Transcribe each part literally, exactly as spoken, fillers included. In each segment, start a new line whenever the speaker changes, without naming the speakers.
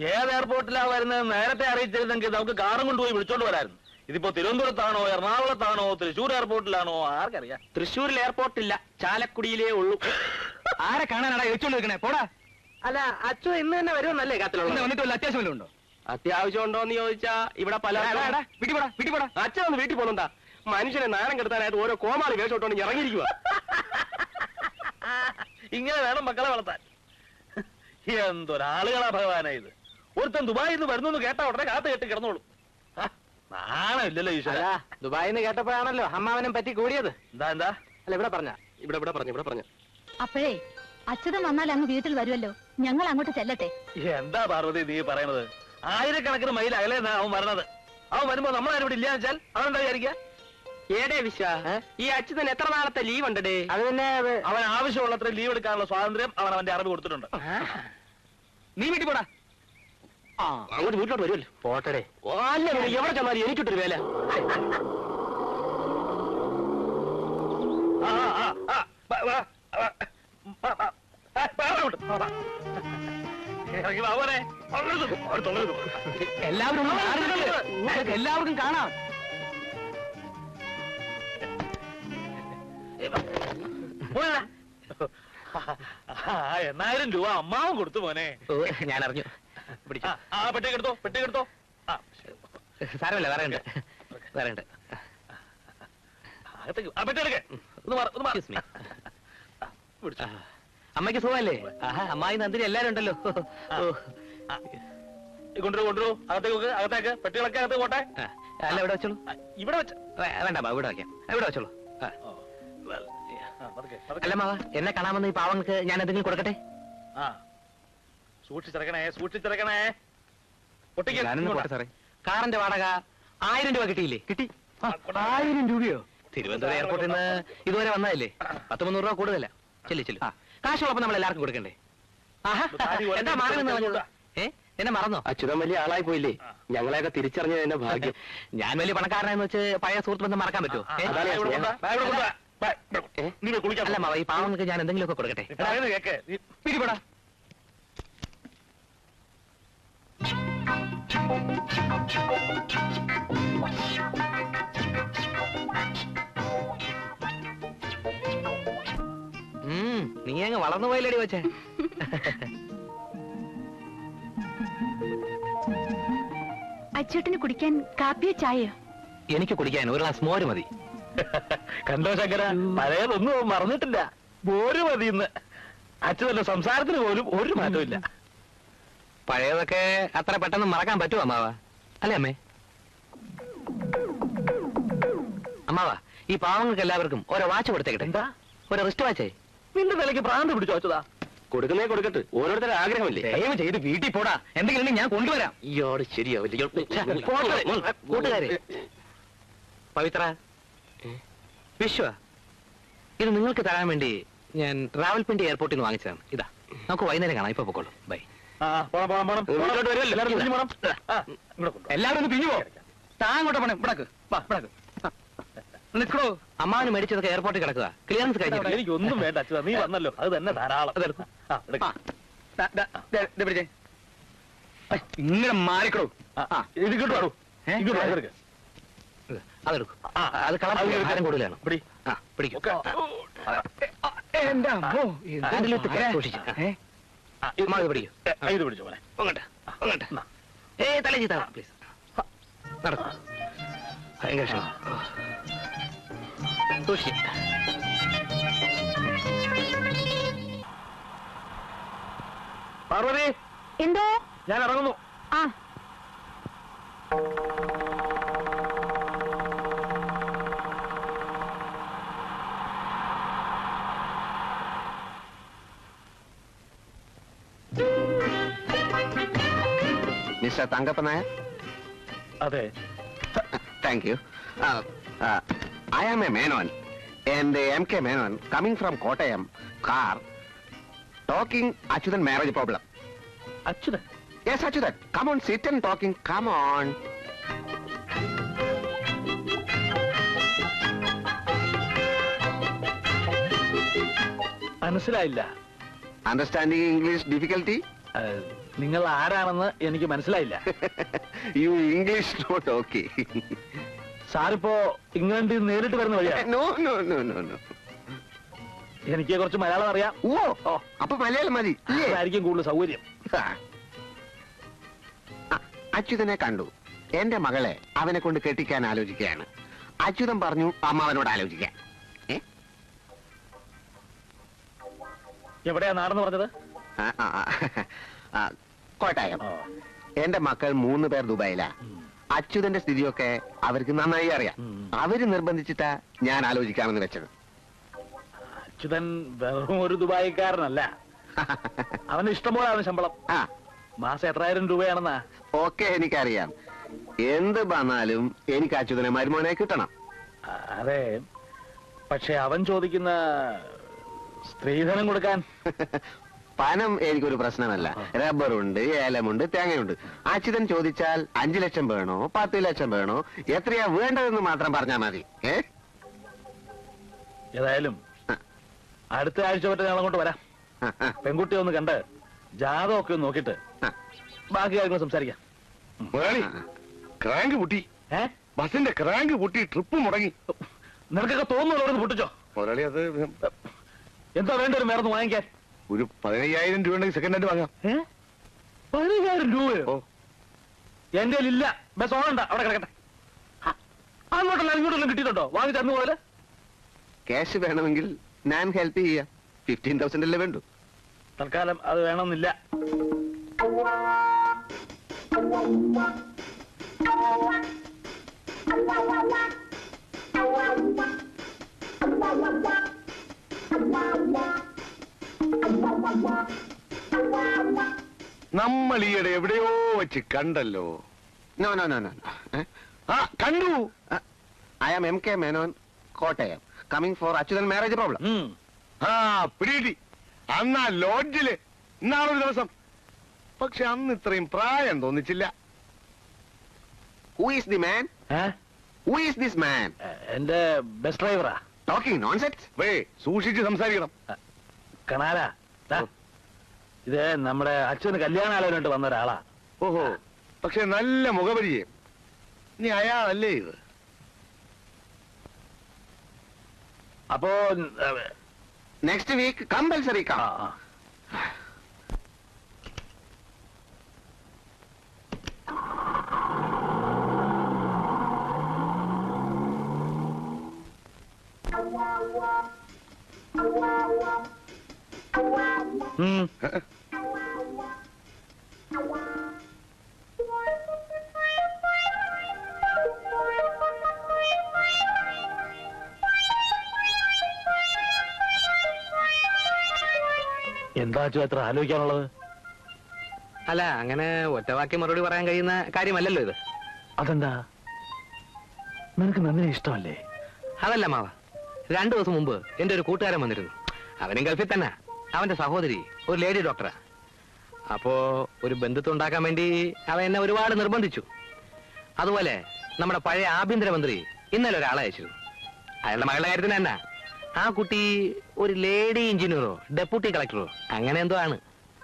ഏത് എയർപോർട്ടിലാ വരുന്നത് നേരത്തെ അറിയിച്ചിരുന്നെങ്കിൽ നമുക്ക് കാറും കൊണ്ടുപോയി വിളിച്ചോണ്ട് വരായിരുന്നു. ഇതിപ്പോ തിരുവനന്തപുരത്താണോ എറണാകുളത്താണോ തൃശ്ശൂർ എയർപോർട്ടിലാണോ ആർക്കറിയാം.
തൃശ്ശൂരിൽ എയർപോർട്ടില്ല, ചാലക്കുടിയിലേ ഉള്ളൂ.
ആരെ കാണാനാടാ ചോദിച്ചോണ്ട് നിൽക്കണേ? പോടാ.
അല്ല അച്ഛൻ ഇന്ന് തന്നെ വരുമെന്നല്ലേ കാത്തിലുള്ള?
വന്നിട്ട് വല്ല അത്യാവശ്യം വല്ലതും ഉണ്ടോ?
അത്യാവശ്യം ഉണ്ടോന്ന് ചോദിച്ചാ ഇവിടെ പല
വീട്ടിൽ പോടാ, വീട്ടിൽ പോടാ.
അച്ഛൻ ഒന്ന് വീട്ടിൽ പോകണ്ടാ. മനുഷ്യനെ നാണം കെടുത്താനായിട്ട് ഓരോ കോമാളി വേഷോട്ടോണ്ട് ഇറങ്ങിയിരിക്കുക.
ഇങ്ങനെ വേണം മക്കളെ വളർത്താൻ. എന്തൊരാളുകളാ ഭഗവാനാ ഇത്. ഒരുത്തൻ ദുബായിൽ നിന്ന് വരുന്നു കേട്ടാ ഉടനെ കാത്തു കെട്ടി കിടന്നോളൂ. നാണമില്ലല്ലോ ഈശ്വര.
ദുബായിന്ന് കേട്ടപ്പോഴാണല്ലോ അമ്മാവനും പറ്റി കൂടിയത്.
എന്താ എന്താ
അല്ല ഇവിടെ പറഞ്ഞ ഇവിടെ ഇവിടെ പറഞ്ഞു ഇവിടെ പറഞ്ഞു.
അപ്പോഴേ അച്യുതൻ വന്നാൽ അങ്ങ് വീട്ടിൽ വരുമല്ലോ, ഞങ്ങൾ അങ്ങോട്ട് ചെല്ലട്ടെ.
എന്താ പാർവതി നീ പറയണത്? ആയിരക്കണക്കിന് മൈൽ അകലെ അവൻ വരണത്. അവൻ വരുമ്പോ നമ്മളാരും ഇവിടെ ഇല്ലാന്ന് വെച്ചാൽ അവനെന്താ വിചാരിക്കുക?
ഏടേ വിശ്വ, ഈ അച്യുതൻ എത്ര നാളത്തെ ലീവ് ഉണ്ടേ? അത് പിന്നെ
അവൻ ആവശ്യമുള്ളത്ര ലീവ് എടുക്കാനുള്ള സ്വാതന്ത്ര്യം അവൻ അവന്റെ അറിവ് കൊടുത്തിട്ടുണ്ട്.
നീ വീട്ടിൽ പോടാ.
അങ്ങോട്ട് വീട്ടിലോട്ട് വരുമല്ലോ. പോട്ടടേ. അല്ല എവിടെ ചെന്നാലും എനിക്കിട്ടൊരു വേല.
എല്ലാവരും എല്ലാവർക്കും കാണാം.
എണ്ണായിരം രൂപ അമ്മാവും കൊടുത്തു മോനെ.
ഞാൻ അറിഞ്ഞു.
ആ പെട്ടേക്കെടുത്തോ പെട്ടേക്കെടുത്തോ.
സാരമല്ല, വേറെ ഉണ്ട് വേറെ ഉണ്ട്. അമ്മയ്ക്ക് സുഖമല്ലേ? അമ്മായി നന്ദിനി എല്ലാരും ഉണ്ടല്ലോ.
കൊണ്ടുവരൂ കൊണ്ടുവരൂ. അകത്തേക്ക് അകത്തേക്ക് പെട്ടികളൊക്കെ അകത്ത് പോട്ടെ.
അല്ല ഇവിടെ വെച്ചോളൂ.
ഇവിടെ വെച്ച
വേണ്ട ഇവിടെ വയ്ക്കാം. ഇവിടെ വെച്ചോളൂ. അല്ല മാവ, എന്നെ കാണാമെന്ന് ഈ പാവങ്ങൾക്ക് ഞാൻ എന്തെങ്കിലും കൊടുക്കട്ടെ?
ആ സൂക്ഷിച്ചിറക്കണേ സൂക്ഷിച്ചിറക്കണേ.
സാറേ, കാറിന്റെ വാടക ആയിരം രൂപ കിട്ടിയില്ലേ? കിട്ടി.
ആയിരം രൂപയോ?
തിരുവനന്തപുരം എയർപോർട്ടിൽ നിന്ന് ഇതുവരെ വന്നതല്ലേ? പത്ത് മുന്നൂറ് രൂപ കൂടുതല. ചെല്ലു ചെല്ലു. കാശുള്ളപ്പോ നമ്മൾ എല്ലാവർക്കും കൊടുക്കണ്ടേ? എന്താ മാറണമെന്ന് പറഞ്ഞത്? ഏ എന്നെ മറന്നോ? അച്യുതൻ വലിയ ആളായി പോയില്ലേ? ഞങ്ങളെയൊക്കെ തിരിച്ചറിഞ്ഞത് എന്റെ ഭാഗ്യം. ഞാൻ വലിയ പണക്കാരനെന്ന് വെച്ച് പഴയ സുഹൃത്ത് ബന്ധം മറക്കാൻ പറ്റുമോ? അല്ല മാവ, ഈ പാവങ്ങൾക്ക് ഞാൻ എന്തെങ്കിലുമൊക്കെ കൊടുക്കട്ടെ?
പിടിപെടാ.
നീ അങ്ങ് വളർന്നു പോയില്ലടി വെച്ചേ.
അച്ചേട്ടന് കുടിക്കാൻ കാപ്പിയോ ചായയോ?
എനിക്ക് കുടിക്കാൻ ഒരു ഗ്ലാസ് മോര് മതി.
കണ്ടോ ശങ്കര, പഴയതൊന്നും മറന്നിട്ടില്ല. മോര് മതി ഇന്ന്. അച്ഛന്റെ സംസാരത്തിന് പോലും ഒരു മാറ്റവും ഇല്ല.
പഴയതൊക്കെ അത്ര പെട്ടെന്ന് മറക്കാൻ പറ്റുമോ അമ്മാവ? അല്ലേ അമ്മേ? അമ്മാവ, ഈ പാവങ്ങൾക്ക് എല്ലാവർക്കും ഓരോ വാച്ച് കൊടുത്തേക്കട്ടെ. എന്താ? ഒരു റിസ്റ്റ് വാച്ചേ.
നിന്റെ നിലയ്ക്ക് ഭ്രാന്ത് പിടിച്ചു വെച്ചതാ. കൊടുക്കുന്നേ കൊടുക്കട്ടെ, ഓരോരുത്തരുടെ ആഗ്രഹമല്ലേ.
ദയവ് ചെയ്ത് വീട്ടിൽ പോടാ. എന്തെങ്കിലും ഞാൻ കൊണ്ടുവരാം. ഇയാള് ശരിയാവില്ല. കൂട്ടുകാരെ, പവിത്ര, വിശ്വ, ഇത് നിങ്ങൾക്ക് തരാൻ വേണ്ടി ഞാൻ റാവൽപിണ്ടി എയർപോർട്ടിൽ നിന്ന് വാങ്ങിച്ചതാണ്. ഇതാ, നമുക്ക് വൈകുന്നേരം കാണാം. ഇപ്പൊ പൊക്കോളൂ. ബൈ.
എല്ലാവരും ഒന്ന് പിരിഞ്ഞു പോ. താങ്ങോട്ട് പോണേ. ഇവിടക്ക് നിൽക്കണോ?
അമ്മാവന് മേടിച്ചതൊക്കെ എയർപോർട്ടിൽ കിടക്കുക. ക്ലിയറൻസ് കഴിഞ്ഞു.
എനിക്കൊന്നും വേണ്ട അച്ഛാ, നീ വന്നല്ലോ, അത് തന്നെ ധാരാളം.
ഇങ്ങനെ മാറിക്കണോ?
ഇത് കിട്ടുവാടോ.
അതെടുക്കും. അത് കളർ കൂടുതലാണ്. പിടിക്കും.
എന്റെ അമ്മോ,
ഇത് പിടിച്ചോ മോനെ.
ഏ തല ചീത്ത പ്ലീസ്. നടക്കും. ഭയങ്കര ക്ഷമ. സൂക്ഷിച്ച്.
പാർവതി,
എന്തോ?
ഞാൻ ഇറങ്ങുന്നു.
ആ
മിസ്റ്റർ തങ്കപ്പൻ നായർ?
അതെ.
Thank you. Uh, uh, I am a Menon, and uh, M K Menon, coming from Kottayam, car, talking Achyutan marriage problem.
Achyutan?
Yes, Achyutan. Come on, sit and talking. Come on.
മനസ്സിലായില്ല.
Understanding English difficulty?
നിങ്ങൾ ആരാണെന്ന് എനിക്ക് മനസ്സിലായില്ല.
You English not okay.
സാറിപ്പോ ഇംഗ്ലണ്ടിൽ നിന്ന് നേരിട്ട് വരുന്ന വഴിയാ?
No no no no no.
എനിക്ക് കുറച്ച് മലയാളം അറിയാം.
ഓ ഓ അപ്പൊ മലയാളം മതി.
അതായിരിക്കും കൂടുതൽ സൗകര്യം.
അച്യുതനെ കണ്ടു. എന്റെ മകളെ അവനെ കൊണ്ട് കെട്ടിക്കാൻ ആലോചിക്കുകയാണ്. അച്യുതൻ പറഞ്ഞു അമ്മാവനോട് ആലോചിക്കാൻ.
എവിടെയാ നാടെന്ന് പറഞ്ഞത്?
കോട്ടായം. എന്റെ മക്കൾ മൂന്ന് പേർ ദുബായിലാ. അച്യുതന്റെ സ്ഥിതിയൊക്കെ അവർക്ക് നന്നായി അറിയാം. അവര് നിർബന്ധിച്ചിട്ടാ ഞാൻ ആലോചിക്കാമെന്ന് വെച്ചത്.
അച്യുതൻ വെറും ഒരു ദുബായിക്കാരനല്ല. അവന് ഇഷ്ടംപോലെ അവന് ശമ്പളം.
ആ
മാസം എത്രായിരം രൂപയാണെന്നാ?
ഓക്കെ എനിക്കറിയാം. എന്ത് വന്നാലും എനിക്ക് അച്യുതനെ മരുമോനെ കിട്ടണം.
അതെ, പക്ഷെ അവൻ ചോദിക്കുന്ന സ്ത്രീധനം കൊടുക്കാൻ
പണം എനിക്കൊരു പ്രശ്നമല്ല. റബ്ബറുണ്ട്, ഏലമുണ്ട്, തേങ്ങയുണ്ട്. അച്യുതൻ ചോദിച്ചാൽ അഞ്ചു ലക്ഷം വേണോ പത്ത് ലക്ഷം വേണോ എത്രയാ വേണ്ടതെന്ന് മാത്രം പറഞ്ഞാൽ മതി. ഏ
ഏതായാലും അടുത്ത ആഴ്ച പറ്റ ഞങ്ങൾ അങ്ങോട്ട് വരാം. പെൺകുട്ടിയെ ഒന്ന് കണ്ട് ജാതകമൊക്കെ ഒന്ന് നോക്കിട്ട് ബാക്കി കാര്യങ്ങൾ സംസാരിക്കാം.
ക്രാങ്ക് പൊട്ടി.
ഏ
ബസിന്റെ ക്രാങ്ക് പൊട്ടി, ട്രിപ്പ് മുടങ്ങി.
നിനക്കൊക്കെ തോന്നുന്നു പൊട്ടിച്ചോ?
മുരളി അത്
എന്താ വേണ്ട ഒരു മേർന്ന് വാങ്ങിക്കാൻ?
ഒരു പതിനയ്യായിരം രൂപ ഉണ്ടെങ്കിൽ സെക്കൻഡ് ഹാൻഡ് വാങ്ങാം.
പതിനയ്യായിരം രൂപയോ? എന്റെ ഇല്ല. ബസ് ഓണണ്ട, അവിടെ കിടക്കട്ടെ. അങ്ങോട്ടല്ല ഇങ്ങോട്ടെല്ലാം കിട്ടിയിട്ടുണ്ടോ വാങ്ങി തന്നു പോലെ?
ക്യാഷ് വേണമെങ്കിൽ ഞാൻ ഹെൽപ്പ് ചെയ്യാം. ഫിഫ്റ്റീൻ തൗസൻഡ് അല്ലേ വേണ്ടു.
തൽക്കാലം അത് വേണമെന്നില്ല.
നമ്മൾ ഈയിടെ എവിടെയോ വെച്ച് കണ്ടല്ലോ. No no no no. ആ കണ്ടു. I am M K Menon, Kottayam, coming for Achuthan marriage problem. ആ പിടി. അന്നാ ലോഡ്ജില് ഇന്നാളൊരു ദിവസം. പക്ഷെ അന്ന് ഇത്രയും പ്രായം തോന്നിച്ചില്ല. Who is the man? Who is this man?
എന്റെ ബസ് ഡ്രൈവറാ.
Talking nonsense. വേ സൂക്ഷിച്ച് സംസാരിക്കണം.
കണാലാ, ഇത് നമ്മുടെ അച്ഛന് കല്യാണാലോചനയായിട്ട് വന്ന ഒരാളാ.
ഓഹോ, പക്ഷെ നല്ല മുഖപരിചയം. നീ അയാളല്ലേ ഇത്?
അപ്പോ
നെക്സ്റ്റ് വീക്ക് കമ്പൽസറി കാ.
എന്താ അച്ഛൻ എത്ര ആലോചിക്കാനുള്ളത്?
അല്ല, അങ്ങനെ ഒറ്റവാക്കി മറുപടി പറയാൻ കഴിയുന്ന കാര്യമല്ലല്ലോ ഇത്.
അതെന്താ, നിനക്ക് നന്ദിനെ ഇഷ്ടമല്ലേ?
അതല്ല മാവ, രണ്ടു ദിവസം മുമ്പ് എന്റെ ഒരു കൂട്ടുകാരൻ വന്നിരുന്നു. അവനും ഗൾഫിൽ തന്നെ. അവന്റെ സഹോദരി ഒരു ലേഡി ഡോക്ടറാ. അപ്പോ ഒരു ബന്ധുത്വം ഉണ്ടാക്കാൻ വേണ്ടി അവൻ എന്നെ ഒരുപാട് നിർബന്ധിച്ചു. അതുപോലെ നമ്മുടെ പഴയ ആഭ്യന്തരമന്ത്രി ഇന്നലെ ഒരാളെ അയച്ചിരുന്നു. അയാളുടെ മകളുടെ കാര്യത്തിന് തന്നെ. ആ കുട്ടി ഒരു ലേഡി എഞ്ചിനീയറോ ഡെപ്യൂട്ടി കളക്ടറോ അങ്ങനെ എന്തോ ആണ്.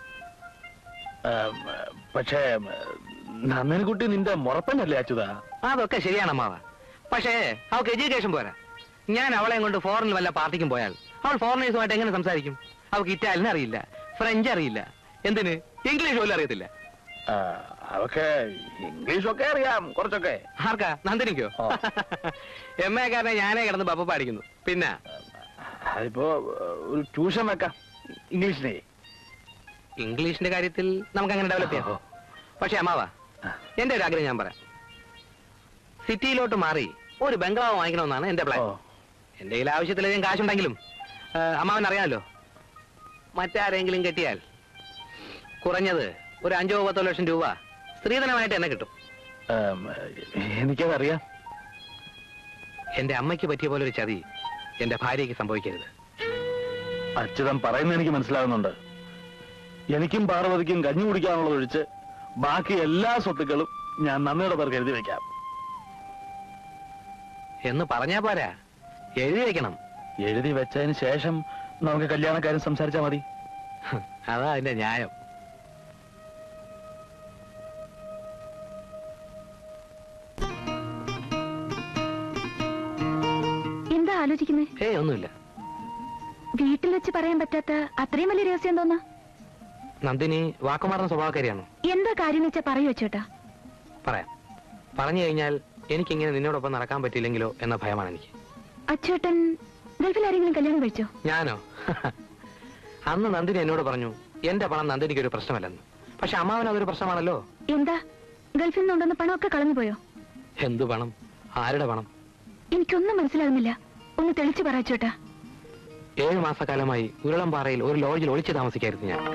പക്ഷേ നന്ദിനി കുട്ടി നിന്റെ മുറപ്പനല്ലേ അച്യുതാ?
അതൊക്കെ ശരിയാണ് മാവ. പക്ഷേ അവൾക്ക് എഡ്യൂക്കേഷൻ പോരാ. ഞാൻ അവളെയും കൊണ്ട് ഫോറിനിൽ വല്ല പാർട്ടിക്കും പോയാൽ അവൾ ഫോറിനേഴ്സുമായിട്ട് എങ്ങനെ സംസാരിക്കും? അവൾക്ക് ഇറ്റാലിയൻ അറിയില്ല, ഫ്രഞ്ച് അറിയില്ല, എന്തിന് ഇംഗ്ലീഷ് പോലും അറിയത്തില്ല.
അവക്ക് ഇംഗ്ലീഷൊക്കെ അറിയാം കുറച്ചൊക്കെ.
ആർക്കാ? നന്ദിനിക്കോ? എം എ കാരനെ ഞാനേ കിടന്ന് ബപ്പ പാടിക്കുന്നു. പിന്നെ
അതിപ്പോ ഒരു ട്യൂഷൻ വെക്കാം ഇംഗ്ലീഷിനെ.
ഇംഗ്ലീഷിന്റെ കാര്യത്തിൽ നമുക്ക് അങ്ങനെ ഡെവലപ്പ് ചെയ്യാം. പക്ഷെ അമ്മാവ, എന്റെ ഒരു ആഗ്രഹം ഞാൻ പറയാം. സിറ്റിയിലോട്ട് മാറി ഒരു ബംഗ്ലാവ് വാങ്ങിക്കണമെന്നാണ് എന്റെ പ്ലാൻ. എന്റെ കയ്യിൽ ആവശ്യത്തിലധികം കാശുണ്ടെങ്കിലും അമ്മാവൻ അറിയാമല്ലോ, മറ്റാരെങ്കിലും കെട്ടിയാൽ കുറഞ്ഞത് ഒരു അഞ്ചോ പത്തോ ലക്ഷം രൂപ സ്ത്രീധനമായിട്ട് എന്നെ കിട്ടും.
എനിക്കതറിയാം.
എന്റെ അമ്മയ്ക്ക് പറ്റിയ പോലെ ഒരു ചതി എന്റെ ഭാര്യയ്ക്ക് സംഭവിക്കരുത്.
അച്യുതൻ പറയുന്നത് എനിക്ക് മനസ്സിലാകുന്നുണ്ട്. എനിക്കും പാർവതിക്കും കഞ്ഞി കുടിക്കാനുള്ളത് ഒഴിച്ച് ബാക്കി എല്ലാ സ്വത്തുക്കളും ഞാൻ നന്ദിയുടെ പേർക്ക് എഴുതി വെക്കാം.
എന്ന് പറഞ്ഞാ പോരാ, എഴുതി വെക്കണം.
എഴുതി വെച്ചതിന് ശേഷം നമുക്ക് കല്യാണക്കാരും സംസാരിച്ചാൽ മതി.
അതാ അതിന്റെ ന്യായം.
ആലോചിക്കുന്നേ?
ഏയ് ഒന്നുമില്ല.
വീട്ടിൽ വെച്ച് പറയാൻ പറ്റാത്ത അത്രയും വലിയ രഹസ്യം എന്തോന്നാ?
നന്ദിനി വാക്കുമാറുന്ന സ്വഭാവക്കാരിയാണോ?
എന്താ കാര്യം വെച്ചാ പറയൂ അച്ചോട്ടാ.
പറയാം. പറഞ്ഞു കഴിഞ്ഞാൽ എനിക്കിങ്ങനെ നിന്നോടൊപ്പം നടക്കാൻ പറ്റില്ലെങ്കിലോ എന്ന ഭയമാണ് എനിക്ക്.
അച്ചോട്ടൻ ഗൾഫിൽ ആരെങ്കിലും കല്യാണം കഴിച്ചോ?
ഞാനോ? അന്ന് നന്ദിനി എന്നോട് പറഞ്ഞു എന്റെ പണം നന്ദിനിക്ക് ഒരു പ്രശ്നമല്ലെന്ന്. പക്ഷെ അമ്മാവൻ അതൊരു പ്രശ്നമാണല്ലോ.
എന്താ ഗൾഫിൽ നിന്നുണ്ടെന്ന പണമൊക്കെ കളഞ്ഞു പോയോ?
എന്തു പണം? ആരുടെ പണം?
എനിക്കൊന്നും മനസ്സിലാകുന്നില്ല. ഒന്ന് തെളിച്ചു പറ അച്ചോട്ടാ.
ഏഴു മാസക്കാലമായി ഉരുളംപാറയിൽ ഒരു ലോഡ്ജിൽ ഒളിച്ചു താമസിക്കായിരുന്നു ഞാൻ.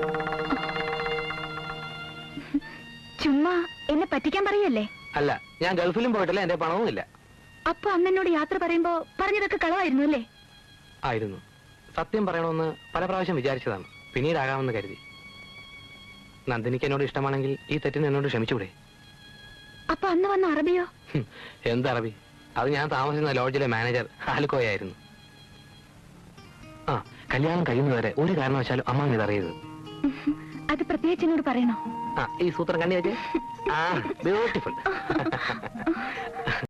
ചുമ്മാ എന്നെ പറ്റിക്കാൻ പറയല്ലേ?
അല്ല, ഞാൻ ഗൾഫിലും പോയിട്ടില്ല, എന്റെ പണവും ഇല്ല.
അപ്പൊ അന്ന് എന്നോട് യാത്ര പറയുമ്പോ പറഞ്ഞതൊക്കെ കളവായിരുന്നു അല്ലേ?
ആയിരുന്നു. സത്യം പറയണമെന്ന് പല പ്രാവശ്യം വിചാരിച്ചതാണ്, പിന്നീടാകാമെന്ന് കരുതി. നന്ദിനിക്ക് എന്നോട് ഇഷ്ടമാണെങ്കിൽ ഈ തെറ്റിന് എന്നോട് ക്ഷമിച്ചൂടെ?
അപ്പൊ അന്ന് വന്ന അറബിയോ?
എന്തറബി? അത് ഞാൻ താമസിക്കുന്ന ലോഡ്ജിലെ മാനേജർ ആലുക്കോയായിരുന്നു. ആ, കല്യാണം കഴിയുന്നവരെ ഒരു കാരണവശാലും അമ്മ ഇതറിയരുത്.
അത് പ്രത്യേകിച്ച് എന്നോട് പറയണോ?
ആ, ഈ സൂത്രം കണ്ണി വെച്ച്. ആ, ബ്യൂട്ടിഫുൾ.